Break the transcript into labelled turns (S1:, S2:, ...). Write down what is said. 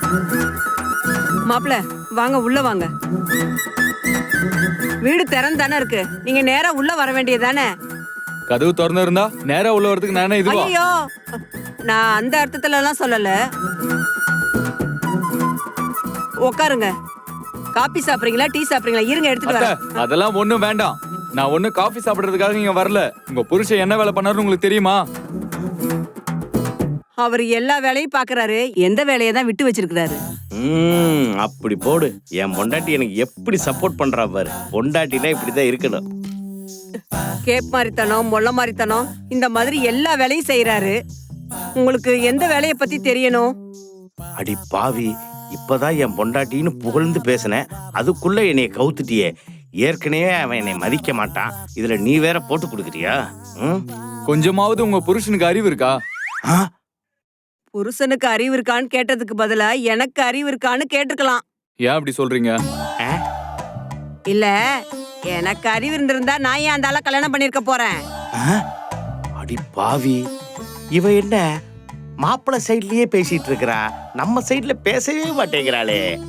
S1: மாப்பிள வாங்க உள்ள வாங்க. வீடு திறந்தானே இருக்கு, நீங்க நேரா உள்ள வர வேண்டியதானே.
S2: கதவு திறந்து இருந்தா நேரா உள்ள வரதுக்கு நானே இதுவா?
S1: ஐயோ, நான் அந்த அர்த்தத்துல எல்லாம் சொல்லல. உட்காருங்க. காபி சாப்பிடுறீங்களா, டீ சாப்பிடுறீங்களா? இருங்க எடுத்துட்டு
S2: அத்தை,
S1: வரேன்.
S2: அதெல்லாம் ஒண்ணும் வேண்டாம். நான் ஒண்ணு காஃபி சாப்பிடுறதுக்காக இங்க வரல. உங்க புருஷன் என்ன வேலை பண்ணாருன்னு உங்களுக்கு தெரியுமா?
S1: அவர் எல்லா வேலையும் பாக்குறாரு, எந்த வேலையை தான் விட்டு வச்சிருக்கிறாரு.
S3: அப்படி போடு. என் பொண்டாட்டி எனக்கு எப்படி சப்போர்ட் பண்றா பாரு. பொண்டாட்டினா இப்படிதான் இருக்கணும்.
S1: கேப் மாதிரித்தனம், மொள்ள மாதிரித்தனம், இந்த மாதிரி எல்லா வேலையும் செய்யறாரு. உங்களுக்கு எந்த வேலையை பத்தி தெரியணும்?
S3: அடி பாவி, இப்பதான் என் பொண்டாட்டின்னு புகழ்ந்து பேசினேன், அதுக்குள்ள என்னைய கவுத்துட்டியே. ஏற்கனவே அவன் என்னை மதிக்க மாட்டான், இதுல நீ வேற போட்டு கொடுக்குறியா?
S2: கொஞ்சமாவது உங்க புருஷனுக்கு அறிவு இருக்கா?
S1: புருஷனுக்கு அறிவு இருக்கான்னு கேட்டதுக்கு பதிலா எனக்கு அறிவு இருக்கான்னு கேட்டிருக்கலாம்.
S2: ஏன் அப்படி சொல்றீங்க?
S1: இல்ல, எனக்கு அறிவு இருந்திருந்தா நான் ஏன் அந்த ஆளை கல்யாணம் பண்ணிருக்க போறேன்?
S3: அடி பாவி, இவ என்ன மாப்பிள்ளை சைட்லயே பேசிட்டு இருக்கிறா, நம்ம சைட்ல பேசவே மாட்டேங்கிறாளே.